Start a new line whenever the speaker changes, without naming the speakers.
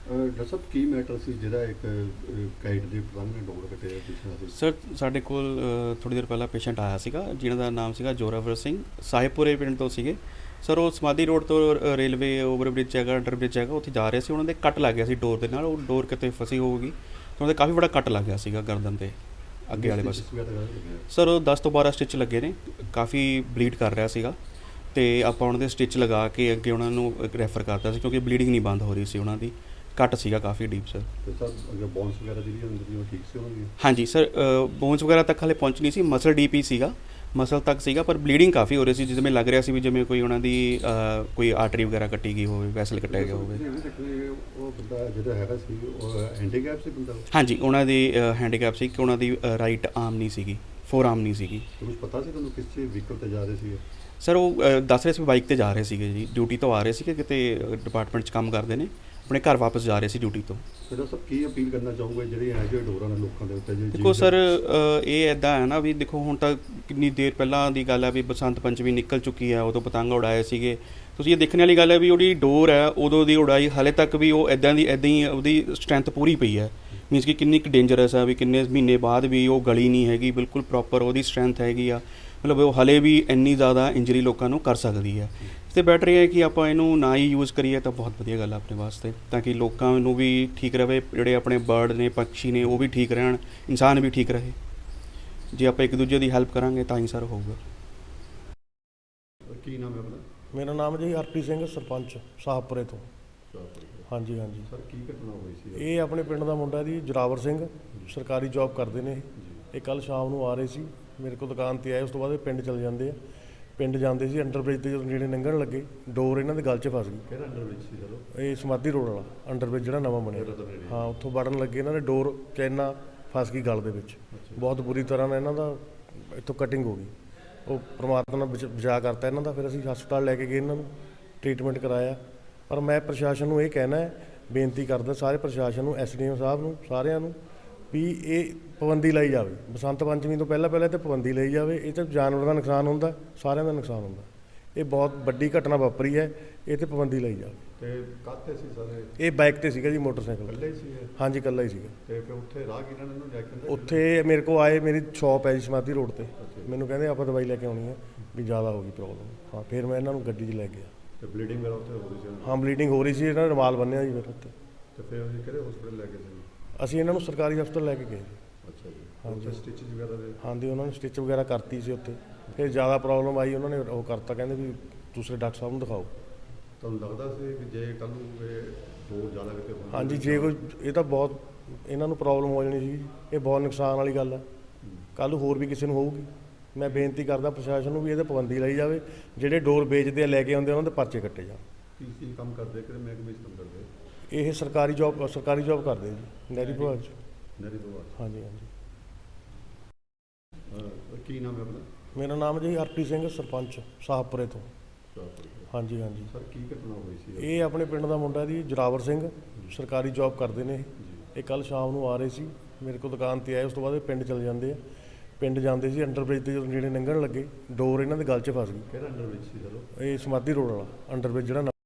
Doctor ਸਾਹਿਬ ਕੀ matter ਸੀ ਜਿਹੜਾ ਇੱਕ kite ਦੇ ਪਤੰਗ ਨੇ ਡੋਰ ਕੱਟਿਆ ਪਿਛਲਾ ਸੀ?
ਸਰ ਸਾਡੇ ਕੋਲ ਥੋੜ੍ਹੀ ਦੇਰ ਪਹਿਲਾਂ ਪੇਸ਼ੈਂਟ ਆਇਆ ਸੀਗਾ ਜਿਨ੍ਹਾਂ ਦਾ ਨਾਮ ਸੀਗਾ ਜੋਰਾਵਰ ਸਿੰਘ, ਸਾਹਿਬਪੁਰੇ ਪਿੰਡ ਤੋਂ ਸੀਗੇ। ਸਰ ਉਹ ਸਮਾਧੀ ਰੋਡ ਤੋਂ ਰੇਲਵੇ ਓਵਰਬ੍ਰਿਜ ਹੈਗਾ, ਅੰਡਰ ਬ੍ਰਿਜ ਹੈਗਾ, ਉੱਥੇ ਜਾ ਰਹੇ ਸੀ। ਉਹਨਾਂ ਦੇ ਕੱਟ ਲੱਗ ਗਿਆ ਸੀ ਡੋਰ ਦੇ ਨਾਲ, ਉਹ ਡੋਰ ਕਿਤੇ ਫਸੀ ਹੋਊਗੀ, ਉਹਨਾਂ ਦੇ ਕਾਫੀ ਬੜਾ ਕੱਟ ਲੱਗ ਗਿਆ ਸੀਗਾ ਗਰਦਨ 'ਤੇ ਅੱਗੇ ਵਾਲੇ ਪਾਸੇ। ਸਰ ਉਹ 10 ਤੋਂ 12 ਸਟਿਚ ਲੱਗੇ ਨੇ, ਕਾਫੀ ਬਲੀਡ ਕਰ ਰਿਹਾ ਸੀਗਾ ਅਤੇ ਆਪਾਂ ਉਹਨਾਂ ਦੇ ਸਟਿਚ ਲਗਾ ਕੇ ਅੱਗੇ ਉਹਨਾਂ ਨੂੰ ਰੈਫਰ ਕਰਤਾ ਸੀ ਕਿਉਂਕਿ ਬਲੀਡਿੰਗ ਨਹੀਂ ਬੰਦ ਹੋ ਰਹੀ ਸੀ, ਉਹਨਾਂ ਦੀ ਕੱਟ ਸੀਗਾ ਕਾਫੀ ਡੀਪ ਸਰ।
ਤੇ ਸਰ ਅਗਰ ਬੋਨਸ ਵਗੈਰਾ ਜਿਹੜੀ ਅੰਦਰ ਦੀ ਉਹ ਠੀਕ ਸੀ ਉਹਨਾਂ ਦੀ?
ਹਾਂਜੀ ਸਰ, ਬੋਨਸ ਵਗੈਰਾ ਤੱਕ ਹਾਲੇ ਪਹੁੰਚ ਨਹੀਂ ਸੀ, ਮਸਲ ਡੀਪ ਹੀ ਸੀਗਾ, ਮਸਲ ਤੱਕ ਸੀਗਾ, ਪਰ ਬਲੀਡਿੰਗ ਕਾਫੀ ਹੋ ਰਹੀ ਸੀ, ਜਿਵੇਂ ਲੱਗ ਰਿਹਾ ਸੀ ਵੀ ਜਿਵੇਂ ਕੋਈ ਉਹਨਾਂ ਦੀ ਕੋਈ ਆਰਟਰੀ ਵਗੈਰਾ ਕੱਟੀ ਗਈ ਹੋਵੇ, ਵੈਸਲ ਕੱਟਿਆ ਗਿਆ ਹੋਵੇ।
ਉਹ ਬੰਦਾ ਜਿਹੜਾ ਹੈਗਾ ਸੀ ਉਹ ਹੈਂਡੀਕੈਪ ਸੀ ਬੰਦਾ?
ਹਾਂਜੀ, ਉਹਨਾਂ ਦੀ ਹੈਂਡੀਕੈਪ ਸੀ ਕਿ ਉਹਨਾਂ ਦੀ ਰਾਈਟ ਆਰਮ ਨਹੀਂ ਸੀਗੀ, ਫੋਰ ਆਰਮ ਨਹੀਂ ਸੀਗੀ।
ਕੁਝ ਪਤਾ ਸੀ ਤੁਹਾਨੂੰ ਕਿਸ ਚੀਜ਼ ਵਹੀਕਲ ਤੇ ਜਾ ਰਹੇ ਸੀ?
ਸਰ ਉਹ ਦੱਸ ਰਹੇ ਸੀ ਬਾਈਕ ਤੇ ਜਾ ਰਹੇ ਸੀਗੇ ਜੀ, ਡਿਊਟੀ ਤੋਂ ਆ ਰਹੇ ਸੀ ਕਿ ਕਿਤੇ ਡਿਪਾਰਟਮੈਂਟ 'ਚ ਕੰਮ ਕਰਦੇ ਨੇ, ਆਪਣੇ ਘਰ ਵਾਪਸ ਜਾ ਰਹੇ ਸੀ ਡਿਊਟੀ ਤੋਂ।
ਫਿਰ ਸਭ ਕੀ ਅਪੀਲ ਕਰਨਾ ਚਾਹੋਗੇ ਜਿਹੜੀ ਇਹੋ ਜਿਹੇ ਡੋਰਾਂ ਨੇ ਲੋਕਾਂ ਦੇ ਉੱਤੇ?
ਦੇਖੋ ਸਰ, ਇਹ ਇੱਦਾਂ ਹੈ ਨਾ ਵੀ ਦੇਖੋ ਹੁਣ ਤਾਂ ਕਿੰਨੀ ਦੇਰ ਪਹਿਲਾਂ ਦੀ ਗੱਲ ਹੈ ਵੀ ਬਸੰਤ ਪੰਚਮੀ ਨਿਕਲ ਚੁੱਕੀ ਹੈ, ਉਦੋਂ ਪਤੰਗ ਉਡਾਏ ਸੀਗੇ। ਤੁਸੀਂ ਇਹ ਦੇਖਣ ਵਾਲੀ ਗੱਲ ਹੈ ਵੀ ਉਹਦੀ ਡੋਰ ਹੈ ਉਦੋਂ ਦੀ ਉਡਾਈ ਹਾਲੇ ਤੱਕ ਵੀ ਉਹ ਇੱਦਾਂ ਹੀ ਉਹਦੀ ਸਟਰੈਂਥ ਪੂਰੀ ਪਈ ਹੈ, ਮੀਨਸ ਕਿ ਕਿੰਨੀ ਕੁ ਡੇਂਜਰਸ ਹੈ ਵੀ ਕਿੰਨੇ ਮਹੀਨੇ ਬਾਅਦ ਵੀ ਉਹ ਗਲੀ ਨਹੀਂ ਹੈਗੀ, ਬਿਲਕੁਲ ਪ੍ਰੋਪਰ ਉਹਦੀ ਸਟਰੈਂਥ ਹੈਗੀ ਆ, ਮਤਲਬ ਉਹ ਹਾਲੇ ਵੀ ਇੰਨੀ ਜ਼ਿਆਦਾ ਇੰਜਰੀ ਲੋਕਾਂ ਨੂੰ ਕਰ ਸਕਦੀ ਹੈ। ਅਤੇ ਬੈਟਰ ਇਹ ਹੈ ਕਿ ਆਪਾਂ ਇਹਨੂੰ ਨਾ ਹੀ ਯੂਜ਼ ਕਰੀਏ ਤਾਂ ਬਹੁਤ ਵਧੀਆ ਗੱਲ ਹੈ ਆਪਣੇ ਵਾਸਤੇ, ਤਾਂ ਕਿ ਲੋਕਾਂ ਨੂੰ ਵੀ ਠੀਕ ਰਹੇ, ਜਿਹੜੇ ਆਪਣੇ ਬਰਡ ਨੇ, ਪੰਛੀ ਨੇ, ਉਹ ਵੀ ਠੀਕ ਰਹਿਣ, ਇਨਸਾਨ ਵੀ ਠੀਕ ਰਹੇ। ਜੇ ਆਪਾਂ ਇੱਕ ਦੂਜੇ ਦੀ ਹੈਲਪ ਕਰਾਂਗੇ ਤਾਂ ਹੀ ਸਰ ਹੋਊਗਾ।
ਕੀ ਨਾਮ ਹੈ ਆਪਣਾ?
ਮੇਰਾ ਨਾਮ ਜੀ ਹਰਪ੍ਰੀਤ ਸਿੰਘ, ਸਰਪੰਚ ਸਾਹਿਬਪੁਰੇ ਤੋਂ। ਹਾਂਜੀ ਹਾਂਜੀ
ਸਰ ਕੀ ਘਟਨਾ ਹੋਈ ਸੀ?
ਇਹ ਆਪਣੇ ਪਿੰਡ ਦਾ ਮੁੰਡਾ ਜੀ, ਜੋਰਾਵਰ ਸਿੰਘ, ਸਰਕਾਰੀ ਜੌਬ ਕਰਦੇ ਨੇ ਇਹ। ਕੱਲ੍ਹ ਸ਼ਾਮ ਨੂੰ ਆ ਰਹੇ ਸੀ ਮੇਰੇ ਕੋਲ, ਦੁਕਾਨ 'ਤੇ ਆਏ, ਉਸ ਤੋਂ ਬਾਅਦ ਇਹ ਪਿੰਡ ਚਲੇ ਜਾਂਦੇ ਆ। ਪਿੰਡ ਜਾਂਦੇ ਸੀ, ਅੰਡਰ ਬ੍ਰਿਜ 'ਤੇ ਜਦੋਂ ਨੇੜੇ ਲੰਘਣ ਲੱਗੇ, ਡੋਰ ਇਹਨਾਂ ਦੇ ਗਲ 'ਚ ਫਸ ਗਈ।
ਕਿਹੜਾ ਅੰਡਰ ਬ੍ਰਿਜ ਸੀ ਸਰ?
ਇਹ ਸਮਾਧੀ ਰੋਡ ਵਾਲਾ ਅੰਡਰ ਬ੍ਰਿਜ ਜਿਹੜਾ ਨਵਾਂ ਬਣਿਆ, ਹਾਂ, ਉੱਥੋਂ ਵੜਨ ਲੱਗੇ ਇਹਨਾਂ ਦੇ ਡੋਰ ਚੈਨਾ ਫਸ ਗਈ ਗਲ ਦੇ ਵਿੱਚ, ਬਹੁਤ ਬੁਰੀ ਤਰ੍ਹਾਂ ਨਾਲ ਇਹਨਾਂ ਦਾ ਇੱਥੋਂ ਕਟਿੰਗ ਹੋ ਗਈ। ਉਹ ਪਰਮਾਤਮਾ ਨੇ ਬਚਾ ਕਰਤਾ ਇਹਨਾਂ ਦਾ। ਫਿਰ ਅਸੀਂ ਹਸਪਤਾਲ ਲੈ ਕੇ ਗਏ, ਇਹਨਾਂ ਨੂੰ ਟ੍ਰੀਟਮੈਂਟ ਕਰਾਇਆ। ਪਰ ਮੈਂ ਪ੍ਰਸ਼ਾਸਨ ਨੂੰ ਇਹ ਕਹਿਣਾ ਹੈ, ਬੇਨਤੀ ਕਰਦਾ ਸਾਰੇ ਪ੍ਰਸ਼ਾਸਨ ਨੂੰ, SDM ਸਾਹਿਬ ਨੂੰ, ਸਾਰਿਆਂ ਨੂੰ, ਵੀ ਇਹ ਪਾਬੰਦੀ ਲਾਈ ਜਾਵੇ। ਬਸੰਤ ਪੰਚਮੀ ਤੋਂ ਪਹਿਲਾਂ ਇਹ 'ਤੇ ਪਾਬੰਦੀ ਲਈ ਜਾਵੇ। ਇਹ 'ਤੇ ਜਾਨਵਰਾਂ ਦਾ ਨੁਕਸਾਨ ਹੁੰਦਾ, ਸਾਰਿਆਂ ਦਾ ਨੁਕਸਾਨ ਹੁੰਦਾ। ਇਹ ਬਹੁਤ ਵੱਡੀ ਘਟਨਾ ਵਾਪਰੀ ਹੈ, ਇਹ 'ਤੇ ਪਾਬੰਦੀ ਲਈ ਜਾਵੇ।
ਤੇ ਕਾਹਤੇ ਸੀ ਸਰ
ਇਹ ਬਾਈਕ 'ਤੇ ਸੀਗਾ ਜੀ, ਮੋਟਰਸਾਈਕਲ।
ਇਕੱਲੇ ਹੀ ਸੀ?
ਹਾਂਜੀ, ਇਕੱਲਾ ਹੀ ਸੀਗਾ।
ਤੇ ਫਿਰ ਉੱਥੇ ਰਾਹਗੀਰਾਂ ਨੇ ਇਹਨੂੰ ਲੈ ਕੇ
ਉੱਥੇ ਮੇਰੇ ਕੋਲ ਆਏ, ਮੇਰੀ ਸ਼ੌਪ ਹੈ ਜੀ ਸਮਾਧੀ ਰੋਡ 'ਤੇ, ਮੈਨੂੰ ਕਹਿੰਦੇ ਆਪਾਂ ਦਵਾਈ ਲੈ ਕੇ ਆਉਣੀ ਹੈ ਵੀ ਜ਼ਿਆਦਾ ਹੋ ਗਈ ਪ੍ਰੋਬਲਮ। ਹਾਂ, ਫਿਰ ਮੈਂ ਇਹਨਾਂ ਨੂੰ ਗੱਡੀ 'ਚ ਲੈ ਗਿਆ।
ਤੇ ਬਲੀਡਿੰਗ ਵਗੈਰਾ ਉੱਥੇ ਹੋ ਰਹੀ ਸੀ?
ਹਾਂ, ਬਲੀਡਿੰਗ ਹੋ ਰਹੀ ਸੀ, ਇਹਨਾਂ ਨੇ ਰੁਮਾਲ ਬੰਨਿਆ ਜੀ ਫਿਰ ਉੱਥੇ।
ਤੇ ਫਿਰ ਅਸੀਂ ਕਿਹੜੇ ਹਸਪਤਾਲ ਲੈ ਗਏ ਸੀ?
ਅਸੀਂ ਇਹਨਾਂ ਨੂੰ ਸਰਕਾਰੀ ਹਸਪਤਾਲ ਲੈ ਕੇ ਗਏ ਜੀ।
ਅੱਛਾ ਜੀ। ਹਾਂਜੀ, ਸਟਿਚ ਵਗੈਰਾ ਦੇ?
ਹਾਂਜੀ, ਉਹਨਾਂ ਨੇ ਸਟਿਚ ਵਗੈਰਾ ਕਰਤੀ ਸੀ ਉੱਥੇ। ਫਿਰ ਜ਼ਿਆਦਾ ਪ੍ਰੋਬਲਮ ਆਈ, ਉਹਨਾਂ ਨੇ ਉਹ ਕਰਤਾ, ਕਹਿੰਦੇ ਵੀ ਦੂਸਰੇ ਡਾਕਟਰ ਸਾਹਿਬ ਨੂੰ ਦਿਖਾਓ।
ਤੁਹਾਨੂੰ ਲੱਗਦਾ ਸੀ ਕਿ ਜੇ ਕੱਲ੍ਹ ਨੂੰ ਇਹ ਡੋਰ ਜ਼ਿਆਦਾ ਕਿਤੇ ਹੋਣੀ?
ਹਾਂਜੀ, ਜੇ ਕੋਈ ਇਹ ਤਾਂ ਬਹੁਤ ਇਹਨਾਂ ਨੂੰ ਪ੍ਰੋਬਲਮ ਹੋ ਜਾਣੀ ਸੀ, ਇਹ ਬਹੁਤ ਨੁਕਸਾਨ ਵਾਲੀ ਗੱਲ ਹੈ। ਕੱਲ੍ਹ ਨੂੰ ਹੋਰ ਵੀ ਕਿਸੇ ਨੂੰ ਹੋਊਗੀ। ਮੈਂ ਬੇਨਤੀ ਕਰਦਾ ਪ੍ਰਸ਼ਾਸਨ ਨੂੰ ਵੀ ਇਹਦੇ ਪਾਬੰਦੀ ਲਾਈ ਜਾਵੇ। ਜਿਹੜੇ ਡੋਰ ਵੇਚਦੇ ਆ, ਲੈ ਕੇ ਆਉਂਦੇ, ਉਹਨਾਂ ਦੇ ਪਰਚੇ ਕੱਟੇ ਜਾਣ।
ਕੀ ਕੰਮ ਕਰਦੇ, ਕਿਹੜੇ ਮਹਿਕਮੇ 'ਚ ਕੰਮ ਕਰਦੇ?
ਇਹ ਸਰਕਾਰੀ ਜੌਬ ਕਰਦੇ ਜੀ, ਨਹਿਰੀ ਵਿਭਾਗ 'ਚ।
ਨਹਿਰੀ ਵਿਭਾਗ?
ਹਾਂਜੀ ਹਾਂਜੀ।
ਕੀ ਨਾਮ ਹੈ ਆਪਣਾ?
ਮੇਰਾ ਨਾਮ ਜੀ ਹਰਪ੍ਰੀਤ ਸਿੰਘ, ਸਰਪੰਚ ਸਾਹਿਬਪੁਰੇ ਤੋਂ। ਹਾਂਜੀ ਹਾਂਜੀ।
ਸਰ ਕੀ ਘਟਨਾ ਹੋਈ ਸੀ?
ਇਹ ਆਪਣੇ ਪਿੰਡ ਦਾ ਮੁੰਡਾ ਜੀ, ਜੋਰਾਵਰ ਸਿੰਘ, ਸਰਕਾਰੀ ਜੌਬ ਕਰਦੇ ਨੇ ਇਹ। ਕੱਲ੍ਹ ਸ਼ਾਮ ਨੂੰ ਆ ਰਹੇ ਸੀ ਮੇਰੇ ਕੋਲ, ਦੁਕਾਨ 'ਤੇ ਆਏ, ਉਸ ਤੋਂ ਬਾਅਦ ਇਹ ਪਿੰਡ ਚਲੇ ਜਾਂਦੇ ਆ। ਪਿੰਡ ਜਾਂਦੇ ਸੀ, ਅੰਡਰ ਬ੍ਰਿਜ 'ਤੇ ਜਦੋਂ ਨੇੜੇ ਲੰਘਣ ਲੱਗੇ, ਡੋਰ ਇਹਨਾਂ ਦੇ ਗਲ 'ਚ ਫਸ ਗਈ।
ਕਿਹੜਾ ਅੰਡਰ ਬ੍ਰਿਜ ਸੀ ਸਰ?
ਇਹ ਸਮਾਧੀ ਰੋਡ ਵਾਲਾ ਅੰਡਰ ਬ੍ਰਿਜ ਜਿਹੜਾ